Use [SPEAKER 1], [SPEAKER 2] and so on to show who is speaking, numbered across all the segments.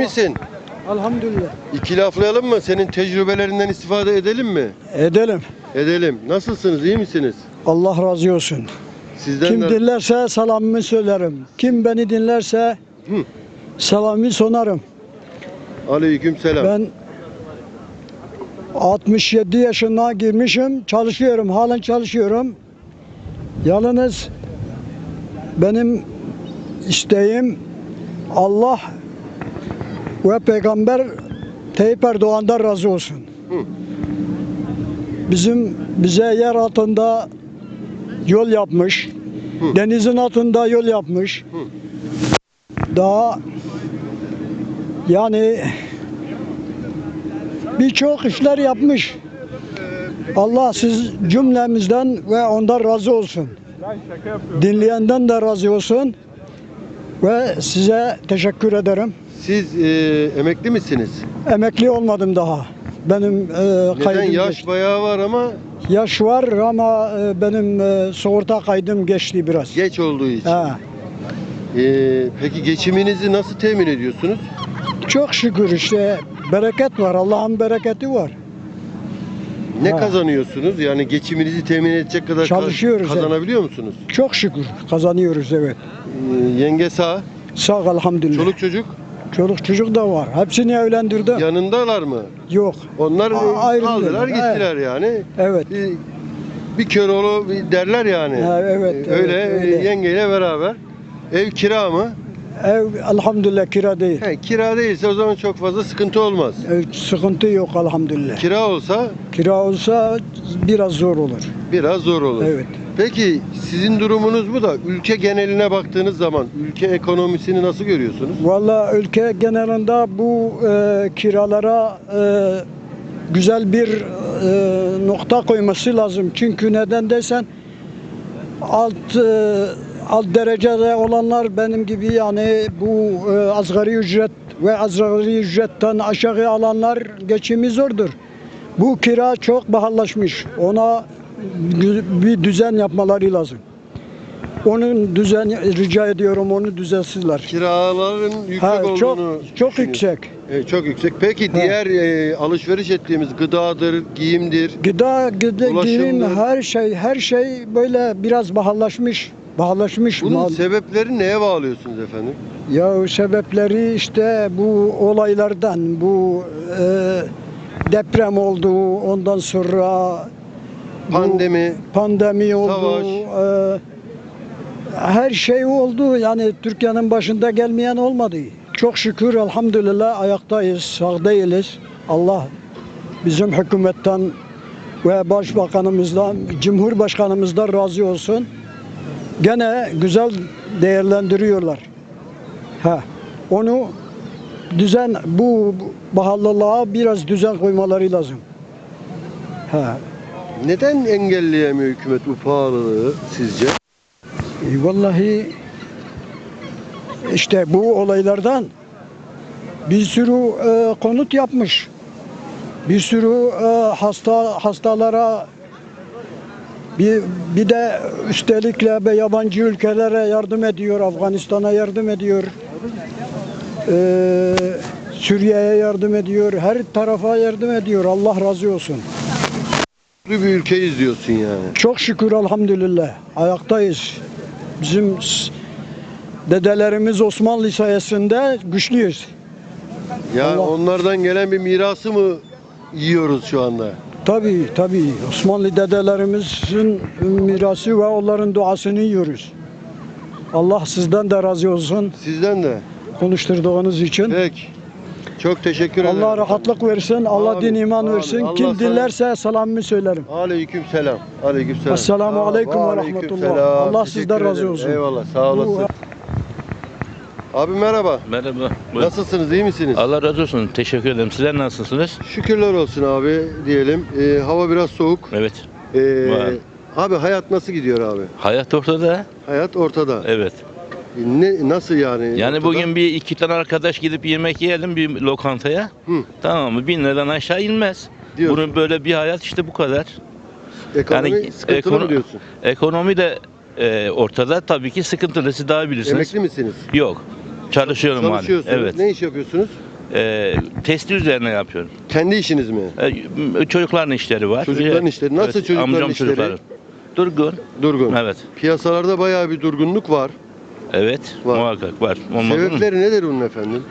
[SPEAKER 1] misin?
[SPEAKER 2] Elhamdülillah.
[SPEAKER 1] İki laflayalım mı? Senin tecrübelerinden istifade edelim mi?
[SPEAKER 2] Edelim.
[SPEAKER 1] Edelim. Nasılsınız? İyi misiniz?
[SPEAKER 2] Allah razı olsun.
[SPEAKER 1] Sizden
[SPEAKER 2] Kim
[SPEAKER 1] de...
[SPEAKER 2] dinlerse selamımı söylerim. Kim beni dinlerse
[SPEAKER 1] Hı.
[SPEAKER 2] selamımı sonarım.
[SPEAKER 1] Aleyküm selam.
[SPEAKER 2] Ben 67 yaşına girmişim. Çalışıyorum. Halen çalışıyorum. Yalnız benim isteğim Allah ve Peygamber Tayyip Erdoğan'dan razı olsun.
[SPEAKER 1] Hı.
[SPEAKER 2] Bize yer altında yol yapmış.
[SPEAKER 1] Hı.
[SPEAKER 2] Denizin altında yol yapmış.
[SPEAKER 1] Hı.
[SPEAKER 2] Daha yani birçok işler yapmış. Allah siz cümlemizden ve ondan razı olsun. Dinleyenden de razı olsun. Ve size teşekkür ederim.
[SPEAKER 1] Siz emekli misiniz?
[SPEAKER 2] Emekli olmadım daha. Benim
[SPEAKER 1] Neden?
[SPEAKER 2] kaydım
[SPEAKER 1] Yaş
[SPEAKER 2] geçti.
[SPEAKER 1] bayağı var ama
[SPEAKER 2] Yaş var ama benim sigorta kaydım geçti biraz.
[SPEAKER 1] geç olduğu için.
[SPEAKER 2] Ha.
[SPEAKER 1] Peki geçiminizi nasıl temin ediyorsunuz?
[SPEAKER 2] Çok şükür işte bereket var. Allah'ın bereketi var.
[SPEAKER 1] Ne
[SPEAKER 2] Ha.
[SPEAKER 1] kazanıyorsunuz? Yani geçiminizi temin edecek kadar
[SPEAKER 2] Çalışıyoruz,
[SPEAKER 1] kazanabiliyor musunuz?
[SPEAKER 2] Çok şükür kazanıyoruz evet.
[SPEAKER 1] Yenge sağ,
[SPEAKER 2] Sağ ol elhamdülillah.
[SPEAKER 1] çoluk çocuk
[SPEAKER 2] Çoluk çocuk da var. Hepsini evlendirdim.
[SPEAKER 1] yanındalar mı?
[SPEAKER 2] Yok.
[SPEAKER 1] Onlar
[SPEAKER 2] Ayrıldılar.
[SPEAKER 1] aldılar gittiler yani.
[SPEAKER 2] Evet.
[SPEAKER 1] Bir Köroğlu derler yani.
[SPEAKER 2] Ha, evet,
[SPEAKER 1] Öyle,
[SPEAKER 2] evet, öyle.
[SPEAKER 1] yengeyle beraber. Ev kira mı?
[SPEAKER 2] Ev elhamdülillah kira değil.
[SPEAKER 1] Kira değilse o zaman çok fazla sıkıntı olmaz.
[SPEAKER 2] Sıkıntı yok elhamdülillah.
[SPEAKER 1] Kira olsa
[SPEAKER 2] Kira olsa biraz zor olur.
[SPEAKER 1] biraz zor olur.
[SPEAKER 2] Evet.
[SPEAKER 1] Peki sizin durumunuz bu da ülke geneline baktığınız zaman ülke ekonomisini nasıl görüyorsunuz?
[SPEAKER 2] Vallahi ülke genelinde bu kiralara güzel bir nokta koyması lazım. Çünkü neden desen alt derecede olanlar benim gibi yani bu asgari ücret ve asgari ücretten aşağı alanlar geçimi zordur. Bu kira çok pahalılaşmış. Ona bir düzen yapmaları lazım. Onun düzen rica ediyorum, onu düzelsizler.
[SPEAKER 1] Kiraların yüksek
[SPEAKER 2] Ha,
[SPEAKER 1] olduğunu
[SPEAKER 2] çok
[SPEAKER 1] düşünüyorsunuz.
[SPEAKER 2] yüksek.
[SPEAKER 1] Çok yüksek. Peki diğer alışveriş ettiğimiz gıdadır, giyimdir.
[SPEAKER 2] Gıda,
[SPEAKER 1] Ulaşımdır.
[SPEAKER 2] giyim, her şey böyle biraz pahalılaşmış. Pahalılaşmış
[SPEAKER 1] Bunun
[SPEAKER 2] mal.
[SPEAKER 1] sebepleri neye bağlıyorsunuz efendim?
[SPEAKER 2] Ya sebepleri işte bu olaylardan, bu deprem oldu, ondan sonra bu pandemi oldu.
[SPEAKER 1] savaş.
[SPEAKER 2] Her şey oldu. Yani Türkiye'nin başında gelmeyen olmadı. Çok şükür elhamdülillah ayaktayız, sağ değiliz. Allah bizim hükümetten ve başbakanımızdan, cumhurbaşkanımızdan razı olsun. Gene güzel değerlendiriyorlar. Onu bu pahalılığa biraz düzen koymaları lazım.
[SPEAKER 1] Neden engelleyemiyor hükümet bu pahalılığı sizce?
[SPEAKER 2] Vallahi işte bu olaylardan bir sürü konut yapmış. Bir sürü hastalara bir de üstelikle yabancı ülkelere yardım ediyor. Afganistan'a yardım ediyor. Suriye'ye yardım ediyor. Her tarafa yardım ediyor. Allah razı olsun.
[SPEAKER 1] Bir ülkeyiz diyorsun yani.
[SPEAKER 2] Çok şükür elhamdülillah. Ayaktayız. Bizim dedelerimiz Osmanlı sayesinde güçlüyüz.
[SPEAKER 1] Ya
[SPEAKER 2] Allah.
[SPEAKER 1] onlardan gelen bir mirası mı yiyoruz şu anda?
[SPEAKER 2] Tabii. Osmanlı dedelerimizin mirası ve onların duasını yiyoruz. Allah sizden de razı olsun
[SPEAKER 1] Sizden de.
[SPEAKER 2] konuşturduğunuz için.
[SPEAKER 1] Peki. Çok teşekkür ederim.
[SPEAKER 2] Allah rahatlık versin, Allah
[SPEAKER 1] Amin,
[SPEAKER 2] din iman
[SPEAKER 1] amin.
[SPEAKER 2] versin.
[SPEAKER 1] Allah
[SPEAKER 2] Kim
[SPEAKER 1] sana-
[SPEAKER 2] dinlerse selamımı söylerim.
[SPEAKER 1] Aleyküm selam. Aleyküm selam.
[SPEAKER 2] Esselamu aleyküm ve
[SPEAKER 1] Aleyküm
[SPEAKER 2] rahmetullah.
[SPEAKER 1] selam.
[SPEAKER 2] Allah
[SPEAKER 1] Teşekkür
[SPEAKER 2] sizden razı
[SPEAKER 1] ederim.
[SPEAKER 2] olsun.
[SPEAKER 1] Eyvallah. Sağ olasın. Abi merhaba.
[SPEAKER 3] Merhaba. Buyurun.
[SPEAKER 1] Nasılsınız? İyi misiniz?
[SPEAKER 3] Allah razı olsun. Teşekkür ederim. Sizler nasılsınız?
[SPEAKER 1] Şükürler olsun abi diyelim. Hava biraz soğuk.
[SPEAKER 3] Evet. Var.
[SPEAKER 1] Abi hayat nasıl gidiyor abi?
[SPEAKER 3] Hayat ortada.
[SPEAKER 1] Hayat ortada.
[SPEAKER 3] Evet.
[SPEAKER 1] Nasıl yani?
[SPEAKER 3] Yani
[SPEAKER 1] ortada?
[SPEAKER 3] bugün bir iki tane arkadaş gidip yemek yiyelim bir lokantaya.
[SPEAKER 1] Hı.
[SPEAKER 3] Tamam mı? 1000 liradan aşağı inmez.
[SPEAKER 1] Diyorsun.
[SPEAKER 3] Bunun böyle bir hayat işte bu kadar.
[SPEAKER 1] Ekonomi sıkıntılı mı diyorsun?
[SPEAKER 3] Ekonomi de ortada. Tabii ki sıkıntılı. Siz daha bilirsiniz.
[SPEAKER 1] Emekli misiniz?
[SPEAKER 3] Yok. Çalışıyorum hali.
[SPEAKER 1] Çalışıyorsunuz.
[SPEAKER 3] Evet.
[SPEAKER 1] Ne iş yapıyorsunuz?
[SPEAKER 3] testi üzerine yapıyorum.
[SPEAKER 1] Kendi işiniz mi?
[SPEAKER 3] Çocukların işleri var.
[SPEAKER 1] Çocukların işleri. Nasıl çocukların
[SPEAKER 3] amcam
[SPEAKER 1] işleri?
[SPEAKER 3] çocukları. Durgun.
[SPEAKER 1] Durgun.
[SPEAKER 3] Evet.
[SPEAKER 1] Piyasalarda bayağı bir durgunluk var.
[SPEAKER 3] Evet.
[SPEAKER 1] Var.
[SPEAKER 3] Muhakkak var. Olmaz mı?
[SPEAKER 1] Sebepleri nedir bunun efendim?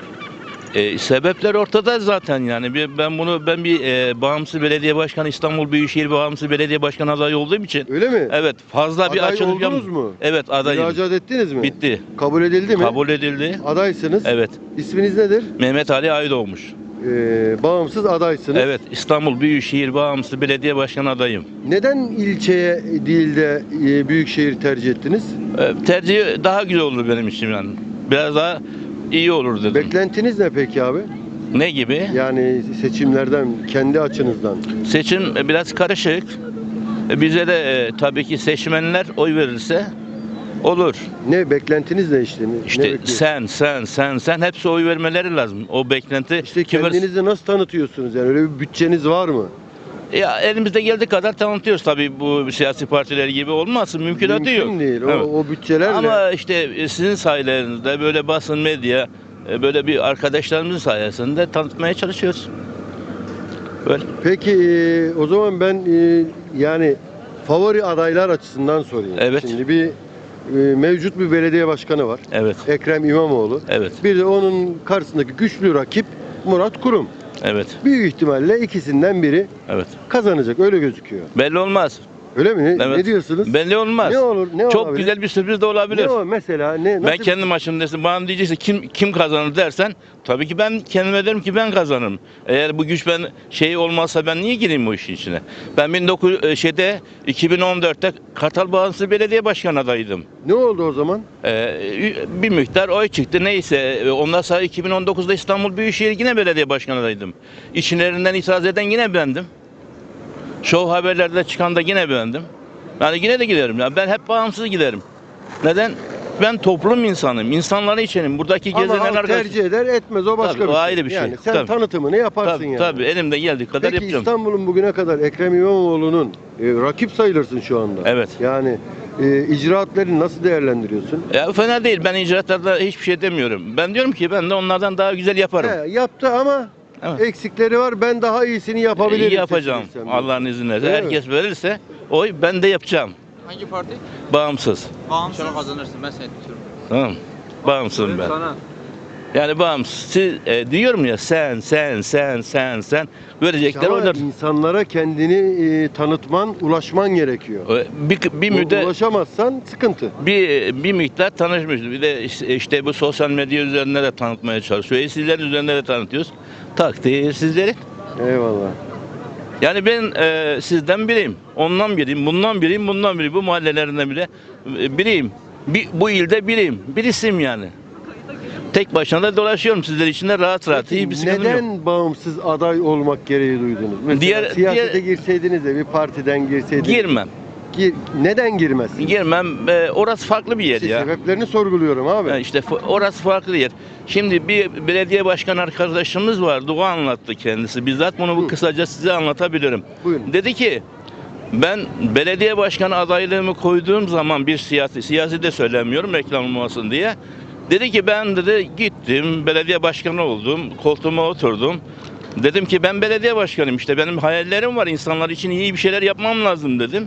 [SPEAKER 3] Sebepler ortada zaten yani. Ben bir bağımsız belediye başkanı, İstanbul Büyükşehir Bağımsız Belediye Başkanı adayı olduğum için.
[SPEAKER 1] Öyle mi?
[SPEAKER 3] Evet, fazla bir
[SPEAKER 1] Aday
[SPEAKER 3] açılım
[SPEAKER 1] oldunuz mu?
[SPEAKER 3] Evet, adayım.
[SPEAKER 1] Müracaat ettiniz mi?
[SPEAKER 3] Bitti.
[SPEAKER 1] Kabul edildi mi?
[SPEAKER 3] Kabul edildi.
[SPEAKER 1] Adaysınız.
[SPEAKER 3] Evet.
[SPEAKER 1] İsminiz nedir?
[SPEAKER 3] Mehmet Ali Aydoğmuş.
[SPEAKER 1] Bağımsız adaysınız.
[SPEAKER 3] Evet, İstanbul Büyükşehir Bağımsız Belediye Başkanı adayım.
[SPEAKER 1] Neden ilçeye değil de büyükşehir tercih ettiniz?
[SPEAKER 3] Tercih daha güzel olur benim için yani. Biraz daha iyi olur dedim.
[SPEAKER 1] Beklentiniz ne peki abi?
[SPEAKER 3] Ne gibi?
[SPEAKER 1] Yani seçimlerden, kendi açınızdan.
[SPEAKER 3] Seçim biraz karışık. Bize de tabii ki seçmenler oy verirse olur.
[SPEAKER 1] Ne beklentiniz ne işte? Ne
[SPEAKER 3] İşte
[SPEAKER 1] bekliyorsunuz?
[SPEAKER 3] sen hepsi oy vermeleri lazım. O beklenti.
[SPEAKER 1] İşte
[SPEAKER 3] kim verirse-
[SPEAKER 1] kendinizi nasıl tanıtıyorsunuz? Yani öyle bir bütçeniz var mı?
[SPEAKER 3] Ya elimizde geldiği kadar tanıtıyoruz tabii, bu siyasi partiler gibi olmasın, mümkünatı yok.
[SPEAKER 1] Mümkün değil.
[SPEAKER 3] Evet.
[SPEAKER 1] O bütçelerle.
[SPEAKER 3] Ama işte sizin sayenizde böyle basın, medya, böyle bir arkadaşlarımızın sayesinde tanıtmaya çalışıyoruz. Böyle.
[SPEAKER 1] Peki o zaman ben yani favori adaylar açısından sorayım.
[SPEAKER 3] Evet.
[SPEAKER 1] Şimdi bir mevcut bir belediye başkanı var.
[SPEAKER 3] Evet.
[SPEAKER 1] Ekrem İmamoğlu.
[SPEAKER 3] Evet.
[SPEAKER 1] Bir de onun karşısındaki güçlü rakip Murat Kurum.
[SPEAKER 3] Evet.
[SPEAKER 1] Büyük ihtimalle ikisinden biri
[SPEAKER 3] Evet.
[SPEAKER 1] kazanacak, öyle gözüküyor.
[SPEAKER 3] Belli olmaz.
[SPEAKER 1] Öyle mi?
[SPEAKER 3] Evet.
[SPEAKER 1] Ne diyorsunuz?
[SPEAKER 3] Belli olmaz.
[SPEAKER 1] Ne olur? Ne
[SPEAKER 3] Çok
[SPEAKER 1] olabilir?
[SPEAKER 3] güzel bir sürpriz de olabilir.
[SPEAKER 1] Ne o mesela?
[SPEAKER 3] Ben
[SPEAKER 1] Nasıl
[SPEAKER 3] kendi maçımdasın. Bana diyecekse kim kazanır dersen, tabii ki ben kendime derim ki ben kazanırım. Eğer bu güç olmazsa ben niye gireyim bu işin içine? Ben 2014'te Kartal Bağımsız Belediye Başkanı adayıydım.
[SPEAKER 1] Ne oldu o zaman?
[SPEAKER 3] Bir miktar oy çıktı, neyse. Ondan sonra 2019'da İstanbul Büyükşehir yine belediye başkanı adayıydım. İçlerinden itiraz eden yine bendim. Show haberlerde çıkan da yine bendim. Yani yine de giderim. Yani ben hep bağımsız giderim. Neden? Ben toplum insanım. İnsanları içenim. Buradaki
[SPEAKER 1] Ama
[SPEAKER 3] gezilen
[SPEAKER 1] halk
[SPEAKER 3] arkadaş.
[SPEAKER 1] tercih eder etmez, o başka
[SPEAKER 3] Tabii,
[SPEAKER 1] bir
[SPEAKER 3] o
[SPEAKER 1] şey.
[SPEAKER 3] ayrı bir şey.
[SPEAKER 1] Yani sen
[SPEAKER 3] Tabii.
[SPEAKER 1] tanıtımını yaparsın
[SPEAKER 3] Tabii,
[SPEAKER 1] yani.
[SPEAKER 3] tabii, elimde geldiği kadar
[SPEAKER 1] Peki
[SPEAKER 3] yapacağım.
[SPEAKER 1] İstanbul'un bugüne kadar Ekrem İmamoğlu'nun rakip sayılırsın şu anda.
[SPEAKER 3] Evet.
[SPEAKER 1] Yani icraatlerini nasıl değerlendiriyorsun?
[SPEAKER 3] Ya fena değil. Ben icraatlarda hiçbir şey demiyorum. Ben diyorum ki ben de onlardan daha güzel yaparım.
[SPEAKER 1] Yaptı ama
[SPEAKER 3] Evet.
[SPEAKER 1] eksikleri var. Ben daha iyisini yapabilirim.
[SPEAKER 3] İyi yapacağım.
[SPEAKER 1] seçilirsem.
[SPEAKER 3] Allah'ın izniyle.
[SPEAKER 1] Değil mi?
[SPEAKER 3] Herkes verirse oy ben de yapacağım.
[SPEAKER 4] Hangi parti?
[SPEAKER 3] Bağımsız.
[SPEAKER 4] Bağımsız. İnşallah kazanırsın, ben seni tutuyorum.
[SPEAKER 3] Tamam. Bağımsızım ben.
[SPEAKER 4] Sana.
[SPEAKER 3] Yani bağımsız. Diyorum ya sen verecekler
[SPEAKER 1] Ama
[SPEAKER 3] oylar.
[SPEAKER 1] insanlara kendini tanıtman, ulaşman gerekiyor.
[SPEAKER 3] Bir müddet
[SPEAKER 1] Ulaşamazsan sıkıntı.
[SPEAKER 3] bir miktar tanışmışız. Bir de işte bu sosyal medya üzerinde de tanıtmaya çalışıyor. Sizlerin üzerinde de tanıtıyoruz. Takdir sizleri.
[SPEAKER 1] Eyvallah.
[SPEAKER 3] Yani ben sizden biriyim. Ondan biriyim. Bundan biriyim. Bundan biriyim. Bu mahallelerinden bile biriyim. Bu ilde biriyim. Birisiyim yani. Tek başına da dolaşıyorum sizler içinde rahat. İyi bir sıkıntım yok.
[SPEAKER 1] Neden bağımsız aday olmak gereği duydunuz? Mesela siyasete girseydiniz de bir partiden girseydiniz.
[SPEAKER 3] Girmem.
[SPEAKER 1] Neden girmezsiniz?
[SPEAKER 3] Girmem. Orası farklı bir yer
[SPEAKER 1] İşte
[SPEAKER 3] ya.
[SPEAKER 1] sebeplerini sorguluyorum abi.
[SPEAKER 3] Yani işte orası farklı yer. Şimdi bir belediye başkanı arkadaşımız vardı. O anlattı kendisi. Bizzat bunu
[SPEAKER 1] Hı.
[SPEAKER 3] kısaca size anlatabilirim.
[SPEAKER 1] Buyurun.
[SPEAKER 3] Dedi ki ben belediye başkanı adaylığımı koyduğum zaman bir siyasi de söylemiyorum reklam olmasın diye. Dedi ki ben dedi gittim belediye başkanı oldum. Koltuğuma oturdum. Dedim ki ben belediye başkanıyım, işte benim hayallerim var. İnsanlar için iyi bir şeyler yapmam lazım dedim.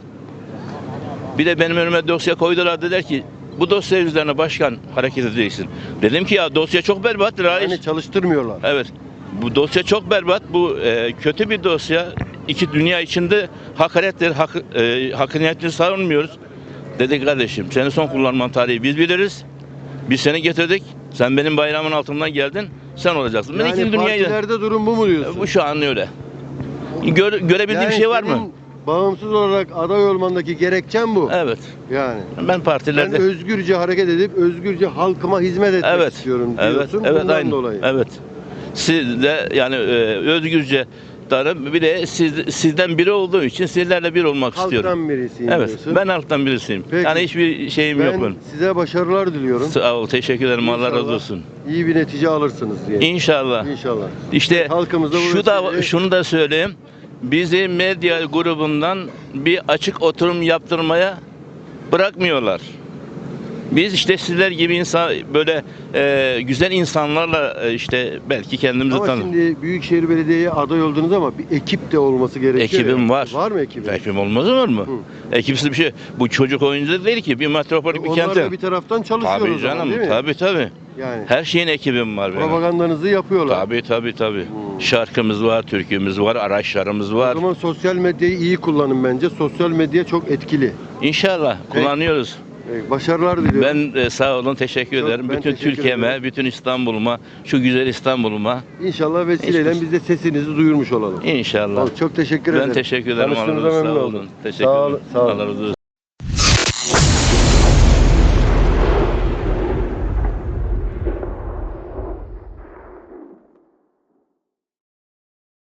[SPEAKER 3] Bir de benim önüme dosya koydular, dediler ki bu dosya üzerine başkan hareket edeceksin. Dedim ki ya dosya çok berbat reis.
[SPEAKER 1] Yani çalıştırmıyorlar.
[SPEAKER 3] Evet. Bu dosya çok berbat. Bu kötü bir dosya. İki dünya içinde hakarettir, hakkaniyetini savunmuyoruz. Dedi kardeşim senin son kullanman tarihi biz biliriz. Biz seni getirdik. Sen benim bayramın altından geldin. Sen olacaksın. Ben
[SPEAKER 1] Yani
[SPEAKER 3] ikinci dünyayı...
[SPEAKER 1] partilerde durum bu mu diyorsun?
[SPEAKER 3] Bu şu an öyle. Görebildiğim bir şey var mı?
[SPEAKER 1] senin bağımsız olarak aday olmandaki gerekçen bu.
[SPEAKER 3] Evet.
[SPEAKER 1] Yani.
[SPEAKER 3] Ben
[SPEAKER 1] Ben
[SPEAKER 3] partilerde...
[SPEAKER 1] özgürce hareket edip özgürce halkıma hizmet etmek
[SPEAKER 3] Evet.
[SPEAKER 1] istiyorum
[SPEAKER 3] Evet.
[SPEAKER 1] diyorsun.
[SPEAKER 3] Evet.
[SPEAKER 1] Bundan
[SPEAKER 3] Aynı.
[SPEAKER 1] dolayı.
[SPEAKER 3] Evet. Siz de yani özgürce darım. Bir de sizden biri olduğu için sizlerle bir olmak istiyorum.
[SPEAKER 1] Halktan birisiyim
[SPEAKER 3] Evet.
[SPEAKER 1] diyorsun.
[SPEAKER 3] Ben halktan birisiyim.
[SPEAKER 1] Peki.
[SPEAKER 3] Yani hiçbir şeyim yok
[SPEAKER 1] Ben
[SPEAKER 3] benim.
[SPEAKER 1] size başarılar diliyorum.
[SPEAKER 3] Sağ ol. Teşekkür ederim. Allah
[SPEAKER 1] İnşallah
[SPEAKER 3] razı olsun.
[SPEAKER 1] İyi bir netice alırsınız diye.
[SPEAKER 3] İnşallah.
[SPEAKER 1] İnşallah.
[SPEAKER 3] İşte
[SPEAKER 1] Halkımızda bu vesileyle-
[SPEAKER 3] şunu da söyleyeyim. Bizi medya grubundan bir açık oturum yaptırmaya bırakmıyorlar. Biz işte sizler gibi insan böyle güzel insanlarla işte belki kendimizi
[SPEAKER 1] Ama şimdi Büyükşehir Belediye'ye aday oldunuz ama bir ekip de olması gerekiyor.
[SPEAKER 3] Ekibim
[SPEAKER 1] ya.
[SPEAKER 3] var.
[SPEAKER 1] Var mı ekibin?
[SPEAKER 3] Ekibim olmaz olur mu? Ekipsiz bir şey. Bu çocuk oyuncu değil ki. Bir metropolik bir
[SPEAKER 1] Onlar
[SPEAKER 3] kente.
[SPEAKER 1] da bir taraftan çalışıyor
[SPEAKER 3] Tabii
[SPEAKER 1] o zaman,
[SPEAKER 3] canım.
[SPEAKER 1] değil mi?
[SPEAKER 3] Tabii.
[SPEAKER 1] Yani
[SPEAKER 3] Her şeyin ekibim var benim.
[SPEAKER 1] propagandanızı yapıyorlar.
[SPEAKER 3] Tabii. Şarkımız var, türkümüz var, araçlarımız
[SPEAKER 1] O
[SPEAKER 3] var.
[SPEAKER 1] zaman sosyal medyayı iyi kullanın bence. Sosyal medya çok etkili.
[SPEAKER 3] İnşallah kullanıyoruz.
[SPEAKER 1] Başarılar diliyorum.
[SPEAKER 3] Ben sağ olun, teşekkür
[SPEAKER 1] Çok-
[SPEAKER 3] ederim.
[SPEAKER 1] ben
[SPEAKER 3] Bütün
[SPEAKER 1] teşekkür
[SPEAKER 3] Türkiye'me,
[SPEAKER 1] ederim.
[SPEAKER 3] bütün İstanbul'uma, şu güzel İstanbul'uma
[SPEAKER 1] İnşallah vesileyle
[SPEAKER 3] Hiçbir-
[SPEAKER 1] biz de sesinizi duyurmuş olalım.
[SPEAKER 3] inşallah.
[SPEAKER 1] Çok teşekkür ederim.
[SPEAKER 3] Ben teşekkür ederim.
[SPEAKER 1] Tanıştığınıza
[SPEAKER 3] Allah razı
[SPEAKER 1] memnun
[SPEAKER 3] olsun.
[SPEAKER 1] oldum.
[SPEAKER 3] Teşekkür
[SPEAKER 1] Sağ
[SPEAKER 3] ederim.
[SPEAKER 1] olun. Sağ olun.
[SPEAKER 3] Allah razı olsun.